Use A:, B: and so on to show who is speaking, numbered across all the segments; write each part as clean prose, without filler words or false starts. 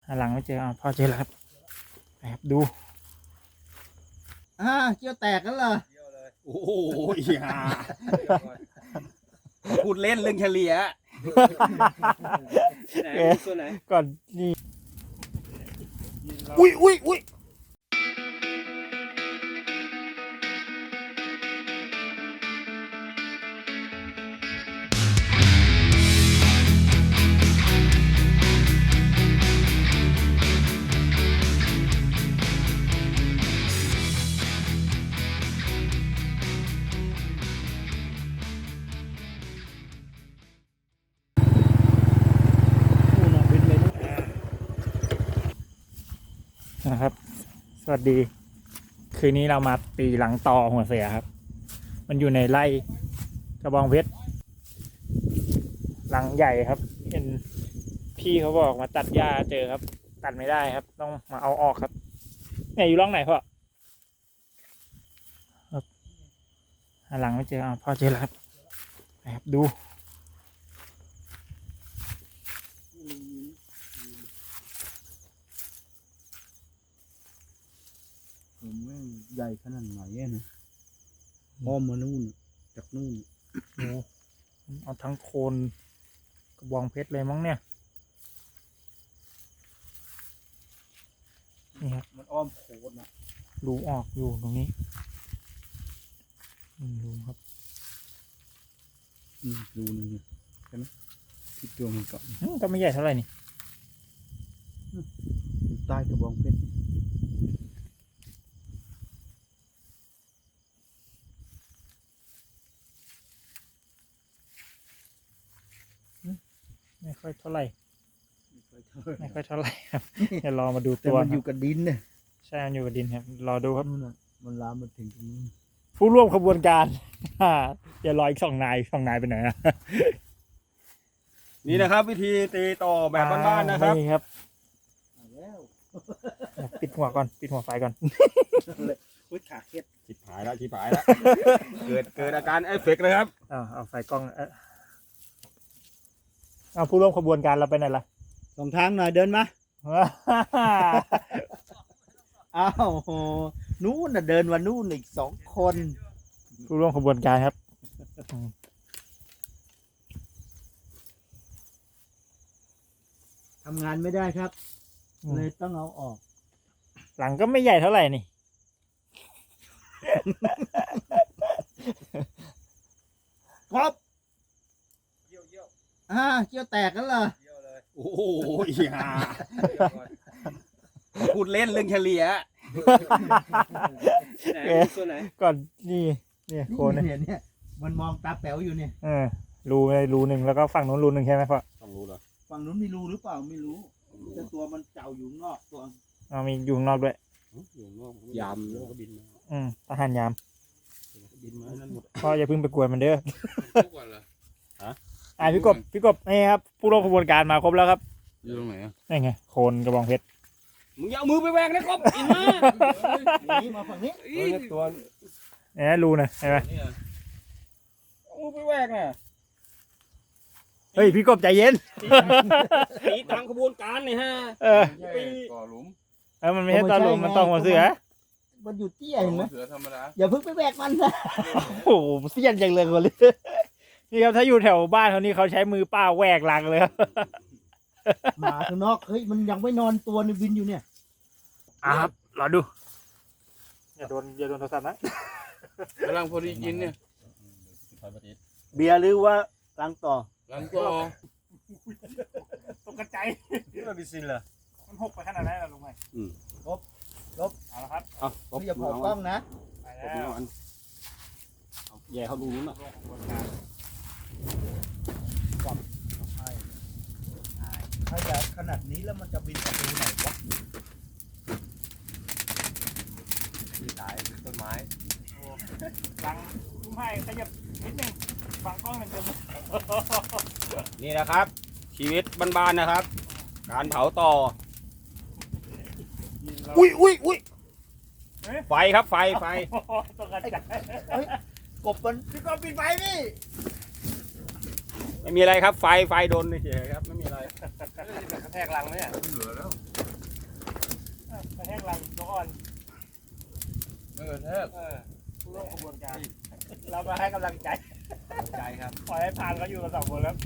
A: หาหลังไม่เจอพ่อเจอแล้วครับไปครับดู
B: เกี่ยวแตกกันเหรอ
C: โอ้โหฮ่าพูดเล่นเรื่องเฉลี่ยไหนตัวไหน
A: ก่อนนี่อุ้ยนะครับสวัสดีคืนนี้เรามาตีหลังต่อหัวเสือครับมันอยู่ในไร่กระบองเพชรหลังใหญ่ครับเห็นพี่เขาบอกมาตัดหญ้าเจอครับตัดไม่ได้ครับต้องมาเอาออกครับเนี่ยอยู่ร่องไหนพ่อครับหาหลังไม่เจอพ่อเจอแล้วครับไปครับดู
B: ผมแม่งใหญ่ขนาดไหนนะอ้อมมานู่นจากนู่น
A: เอาทั้งโคนกระบองเพชรเลยมั้งเนี่ยนี่ครับ
B: มันอ้อมโคนนะ
A: รูออกอยู่ตรงนี้รูครับ
B: รูนึงใช่ไหมที่ตัวมันเกาะ
A: ก็ไม่ใหญ่เท่าไหร่นี่
B: ใต้กระบองเพชร
A: ไม่ค่อยเท่าไหร่ครับเดี๋ยวรอมาดูตัว
B: มันอยู่กับดินเนี่ย
A: ใช่มันอยู่กับดินครับรอดูครับ
B: มันลามมาถึงตรงนี้
A: ผู้ร่วมขบวนการอย่ารออีก2 นายไปไหนนะ
C: นี่นะครับวิธีตีต่อแบบบ้านๆนะครับ
A: นี่ครับปิดหัวก่อนปิดหัวไฟก่อน
B: ขาเคล็ด
C: ชิบหายแล้วเกิดอาการเอฟเฟกต์เลยครับ
A: เอาไฟกล้องเอาผู้ร่วมขบวนการเราไปไหนล่ะ
B: สองทางหน่อยเดินมาอ้าวนู้นน่ะเดินวันนู้นอีก2 คน
A: ผู้ร่วมขบวนการครับ
B: ทำงานไม่ได้ครับเลยต้องเอาออก
A: หลังก็ไม่ใหญ่เท่าไหร่นี่
B: ครับเกี่ยวแตกกันเหรอ
C: โอ้โหฮ่าพูดเล่นเรื่องเฉลี่ยไหนตัวไหน
A: ก่อนนี่โคน
B: เนี่ยมันมองตาแป๋วอยู่เนี่ย
A: รูหนึ่งแล้วก็ฝั่งนู้นรูหนึ่งใช่ไหมพ่อ
C: ต้องรู้เหรอ
B: ฝั่งนู้นมีรูหรือเปล่าไม่รู้แต่ตัวมันเจ้าอยู่นอกตัว
A: มีอยู่นอกด้วย
C: อยู่นอกยามแล้วก็บินมา
A: ทหารยาม
C: บินมานั่นหมด
A: พ่ออย่าเพิ่งไปกวนมันเด้อพี่กบนี่ครับผู้ร่วมขบวนการมาครบแล้วครับ
C: อยู่ตรงไหน
A: นี่ไงโคนกระบองเพชร
C: มึงอย่าเอามือไปแหวกนะครับอินมา
B: มาฝั่งนี้
C: ตัว
A: เนี่ยรูนะใช่ไหม
C: เอามือไปแหวกน่ะ
A: เฮ้ยพี่กบใจเย็น
C: ตีตามขบวนการนี่ฮะ
D: ก่อหลุม
A: มันไม่ใช่ตอนหลุมมันต้องหัวเสือ
B: มันอยู่เตี้ยเห็นไหม
D: เสือธรรมดา
B: อย่าเพิ่งไปแหวกมันนะ
A: โอ้โหเสี้ยนจังเลยคนเลยนี่ครับถ้าอยู่แถวบ้านเขานี่เขาใช้มือป้าแหวกลังเลย
B: หมาข้างนอกเฮ้ยมันยังไม่นอนตัวในวินอยู่เนี่ย
A: ครับรอดูอย่าโดนโทรศัพท์นะ
D: กำลังพอดีกินเนี่ย
B: เบียร์หรือว่าลังต่อ
A: ตกกระจาย
C: ไม่บิซินเหรอ
A: มันหกไปขนาดไหนล่ะลุงไง
B: ลบ
A: เอาละครับ
B: ไม่อย่าพอกล้องนะ
A: ไปแล้ว
C: แย่เขาดูนู้นน่ะ
B: ถ้าอยากขนาดนี้แล้วมันจะบินไปดูไหนวะ
C: ตายต้นไม้
A: หลังลุงไผ่ขยับนิดนึงฟังกล้องหนึ่งเดียว
C: นี่นะครับชีวิตบ้านๆนะครับการเผาต่อ
A: อุ้ย
C: ไฟครับไฟ
A: ตกกระจาย
B: กบมันพี่กบปิดไฟนี่
C: ไม่มีอะไรครับไฟโดนเฉยครับไม่มีอะไร
D: กระแทกรังไหมเนี่ยเหลือแล้ว
A: ให้กำลังใจ
C: ใจครับ
A: ปล่อยให้ผ่านเขาอยู่กัน2 คนแล้ว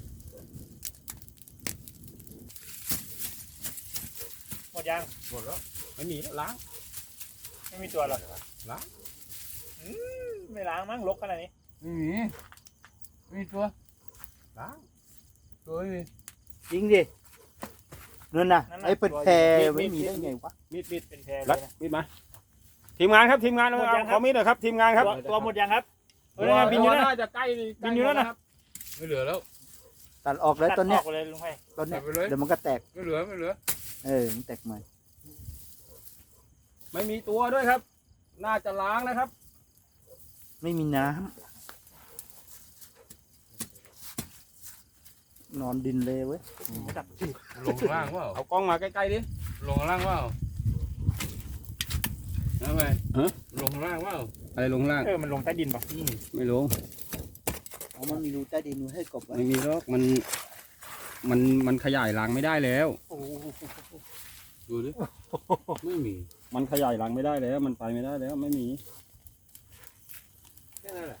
A: หมดยัง
C: หมดแล้วไม่มีแล้วล้าง
A: ไม่มีตัวหรอก
C: ล้าง
A: ไม่ล้างมั้งรกขนาดนี้
D: ไม่มีไม่มีตัว
C: ล้าง
D: ตัวไม่มี
B: จริงดินั่นน่ะไอ้เป็นแพรไม่มีได้ไงวะ
C: มีด
A: เป็นแพรเล
C: แล้ว
A: ยนะ
C: มีดมาทีมงานครับทีมงาน
A: หมดยังครับ
C: ขอมีดหน่อยครับทีมงานครับ
A: ตัวหมดยังครับ
C: ตัว
A: บินอยู่นะ
C: น่าจะใกล้
A: บินอยู่แล้วนะ
D: ไม่เหลือแล้ว
B: ตัดออกแล้วต้นเนี้ย
A: ตัดออกเลยลุงไพ
B: ต้นเนี้ย
D: ตัดไปเลย
B: เดี๋ยวมันก็แตก
D: ไม่เหลือไม่เหลือ
B: มันแตกใหม่
C: ไม่มีตัวด้วยครับ น่าจะล้างนะครับ
B: ไม่มีน้ำนอนดินเลยเว้ย
D: ลงข้างล่างเปล่า
C: เอากล้องมาใกล้ๆดิ
D: ลงข้างล่างเปล่าเอาไป
C: ฮะ
D: ลงข้างล่างเปล่า
C: อะไรลงล่าง
A: มันลงใต้ดินป่ะ
C: ไม่ลง
B: เอามันมีรูใต้ดินให้กบไว้
C: ไม่มีหรอกมันขยายรังไม่ได้แล้ว
A: โอ้โห
D: ดูดิไม่มี
C: มันขยายรังไม่ได้แล้ว มันไปไม่ได้แล้วไม่มี
D: แค่นั้นแหละ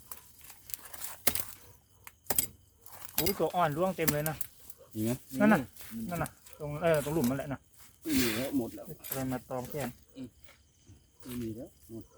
A: ตัวอ่อนร่วงเต็มเลยนะ
C: มีไหม
A: นั่นน่ะตรงหลุมนั่นแหละนะ
C: ไม่มีแล้วหมดแล้ว
A: อะไรมาตอมแขน
C: ไม่มีแล้วหมด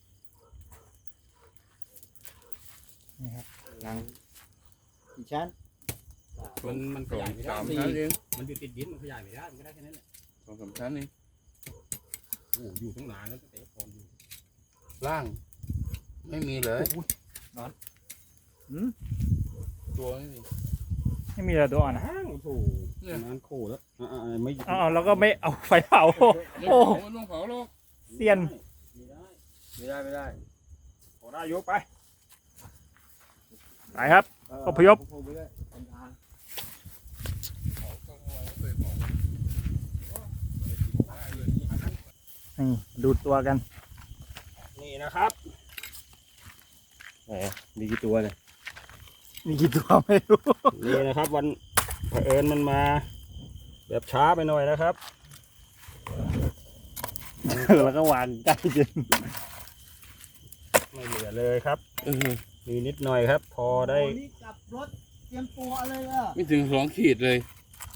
A: นี่ครับล้าง
B: กี่ชั้น
C: มันข
D: สอง
C: ยายไม่ได้
D: สามชั้นเอง
C: มันอยู่ติดดินมันขยายไม่ได้มันก็ได้แค่นั้นแหละ
D: สองสามชั้นเอง
C: โอ้อยู่ตั้งนานแล้วตั้งแต่ก่อนอยู่
D: ล่าง ไม่มีเลย
B: หืม
D: ตัวไม่มี
A: ไม่มีอะไรตัวอ่อนนะ
C: อ้าวโอ้โห
D: เนี่ย
C: นานโคแล้วไม่
A: เอาแล้วก็ไม่เอาไฟเผา
D: โอ้ไม่ต้องเผาหรอก
A: เซียน
C: ไม่ได้ขอได้ยกไป
A: ไปครับ อพยพ นี่ดูตัวกัน
C: นี่นะครับมีกี่ตัวเนี่ย
A: มีกี่ตัวไม่รู้
C: นี่นะครับวันเผอิญมันมาแบบช้าไปหน่อยนะครับ
A: แล้วก็หวานใกล้จริง
C: ไม่เหลือเลยครับมีนิดหน่อยครับ พอได้
B: นี่กลับรถเตรียมตัวเลยอ่ะ
D: ไม่ถึง2 ขีดเลย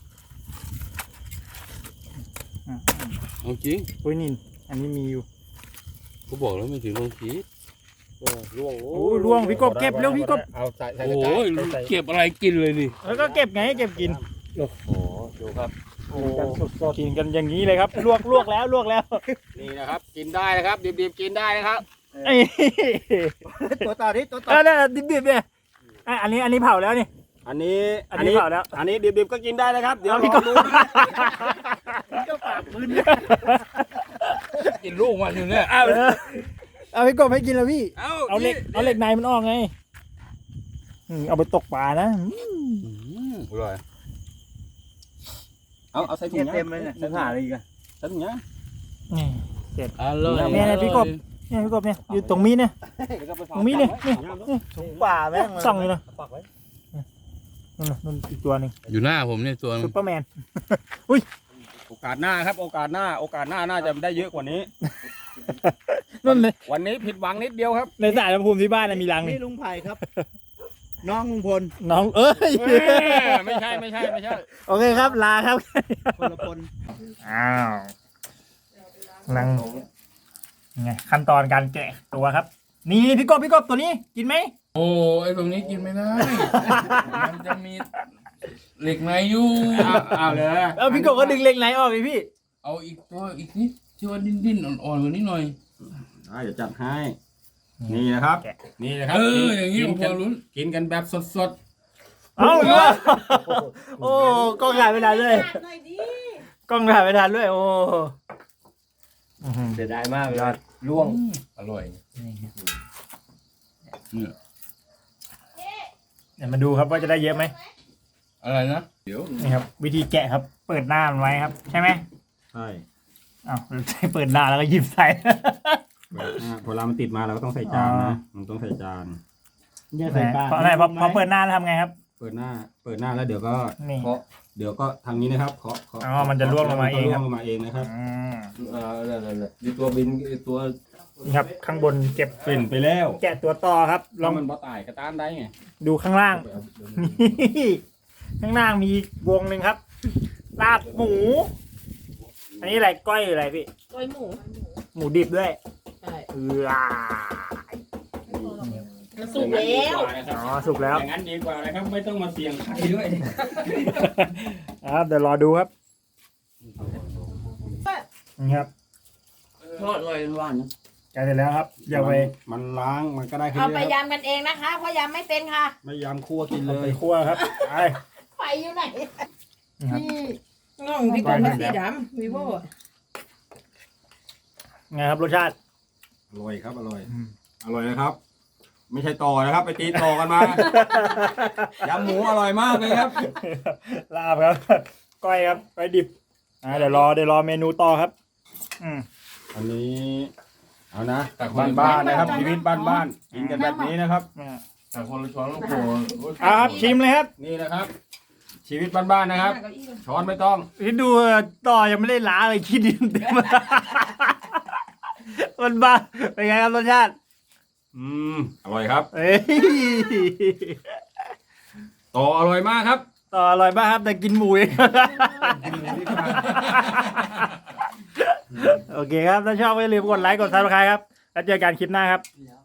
D: เอาจริง
A: โอ้ยนี่อันนี้มีอยู่
D: เขาบอกแล้วไม่ถึง2 ขีด
C: ร่วง
A: โอ้ยร่วงพี่กบเก็บเร็วพี่กบ
C: เอาใส่
D: โอ้ยเก็บอะไรกินเลยนี่
A: แล้วก็เก็บไงเก็บกิน
C: โอ้โหดูครับ
A: โอ้กินกันอย่างนี้เลยครับ ลวกแล้ว
C: นี่นะครับ กินได้นะครับดิบๆกินได้นะครับ
A: ไอ้
B: ตัวต่อดิตัวต่อ
A: เนี่ยดิบๆเนี่ยอันนี้เผาแล้วนี่
C: อันนี้
A: อันนี้เผาแล้ว
C: อันนี้ดิบๆก็กินได้นะครับ เดี๋ยว
A: เอาพี่
C: ล
A: ก
C: อบ งดู
B: ก็ปากมืน
D: กินลูกมันอยู่เนี่ย
A: เอาพี่กบให้กินแล้วพี่ เอาเหล็ก
D: นี่
A: เอาเหล็กในมันออกไงเอาไปตกปลานะ
D: อร่อย
C: เอาใส่ถุง
B: เต็มเลยเนี่ย
C: ใส่ถุงอะไรอีกอะใส่ถุงยาง
A: นี่
D: อร่อย
A: เนี่ยพี่กบ เนี่ยพี่กบเนี่ยอยู่ตรงมีดเนี่ย ตรงนี้เนี่ยนี่
B: ถุงป่าแม่ง
A: ส่องอยู่นะ
C: ปักไว้
A: นั่นอีกตัวหนึ่ง
D: อยู่หน้าผมเนี่ยตัว
A: ซุปเปอร์แมน
C: โอกาสหน้าครับ โอกาสหน้าน่าจะได้เยอะกว่านี้
A: นั่นเลย
C: วันนี้ผิดหวังนิดเดียวครับ
A: ในสายลำพูนที่บ้านน่ะมีรังนี่
B: นี่ลุงไผ่ครับ น้องลุงพล
A: น้องเอ้ย
C: ไม่ใช่
A: โอเคครับลาครับ
B: คนละคน
A: อ้าวลังไงขั้นตอนการแกะตัวครับ นี่พี่กบตัวนี้กินไหม
D: โอ้ไอ้ตรงนี้กินไม่ได้ มันจะมีเหล็กในอยู่
C: เอาเลย
A: พี่กบก็ดึงเหล็กไหนออกเลยพี่
D: เอาอีกตัวอีกนิดที่ว่าดิ้นอ่อนๆกว่านี้หน่อย
C: เดี๋ยวจัดให้ นี่นะครับ นี่นะครับ
D: อย่างนี้ผมพอลุ้น
C: กินกันแบบสด
A: เอาโอ้กล้องถ่ายไม่ทันเลยกล้องถ่ายไม่ทันด้วยโอ้
C: ๆเสียดายมากเลยร่วง
D: อร่อย
A: เดี๋ยวมาดูครับว่าจะได้เยอะไหม
D: อะไรนะ เดี๋ยว
A: นี่ครับ วิธีแกะครับ เปิดหน้ามันไว้ครับ ใช่ไหม
C: ใช่
A: อ้าวเปิดหน้าแล้วก็หยิบใส่
C: พอเรามันติดมาเราก็ต้องใส่จานนะ มันต้องใส่จาน
B: เนี่ยใส่ปลา
A: เพราะอะไรพอเปิดหน้าแล้วทำไงครับ
C: เปิดหน้าแล้วเดี๋ยวก็
A: นี่
C: เคาะเดี๋ยวก็ทางนี้นะครับเคาะ
A: อ๋อมันจะร่วงลงมาเองครับ
C: ร่วงลงมาเองนะครับ
A: อืม
D: อะไรดีตัวบินตัว
A: นี่ครับ ข้างบนเก็บ
C: เป็นไปแล้ว
A: แกะตัวต่อครับ ล
C: แล้
A: อ
C: ว
A: ง
C: มันบ่ตายกระต้านได้ไง
A: ดูข้างล่าง นี่ข้างล่างมีวงหนึ่งครับ ลาบหมู อันนี้อะไรก้อยหรืออะไรพี่
E: ก้อยหมู
A: หมูดิบด้วย
E: ใช่
A: เออ
E: มันสุกแล้ว
A: อ๋อสุกแล้ว
C: อย่างนั้นดีกว่านะครับ ไม่ต้องมาเสี่ยงใครด้วย
A: ครับเดี๋ยวรอดูครับนี่ครับ
E: ทอดเลยหวาน
A: ใกล้เสร็จแล้วครับอย่าไป
C: มันล้างมันก็ได้แค่
E: เอา
C: นี้
E: ไป
C: ครับ
E: ยำกันเองนะคะ เพราะยำไม่เป็นค่ะ
C: ไม่ยำคั่วกินเล
A: ไป
C: ย
A: คั่วครับไป
E: ไฟอยู่ไหน
A: นี่ครับ
E: น้องพี่กรณ์สีดำวีโว
A: ไงครับรสชาติ
C: อร่อยครับอร่อย อร่อยนะครับ ไม่ใช่ต่อนะครับ ไปตีต่อกันมา ยำหมูอร่อยมากเลยครับ
A: ลาบครับ ก้อยครับก้อยดิบเดี๋ยวรอเมนูต่อครับ
C: อันนี้เอานะบ้านๆนะครับชีวิตบ้านๆกินกันแบบนี้นะครับ
D: แต่คนละช้อนลูกโป่ง
A: ครับชิมเลยครับ
C: นี่นะครับ ชีวิตบ้านๆนะครับ ช้อนไม่ต้อง
A: ที่ดูต่อยังไม่ได้ล้างเลยคิดดินเต็มมันบ้าเป็นไงครับรสชาติ
C: อร่อยครับ
A: เอ้ย
C: ต่ออร่อยมากครับ
A: ต่ออร่อยมากครับแต่กินหมูเอง โอเคครับถ้าชอบก็อย่าลืมกดไลค์กดซับสไครต์ครับแล้วเจอกันคลิปหน้าครับ
E: แล้ว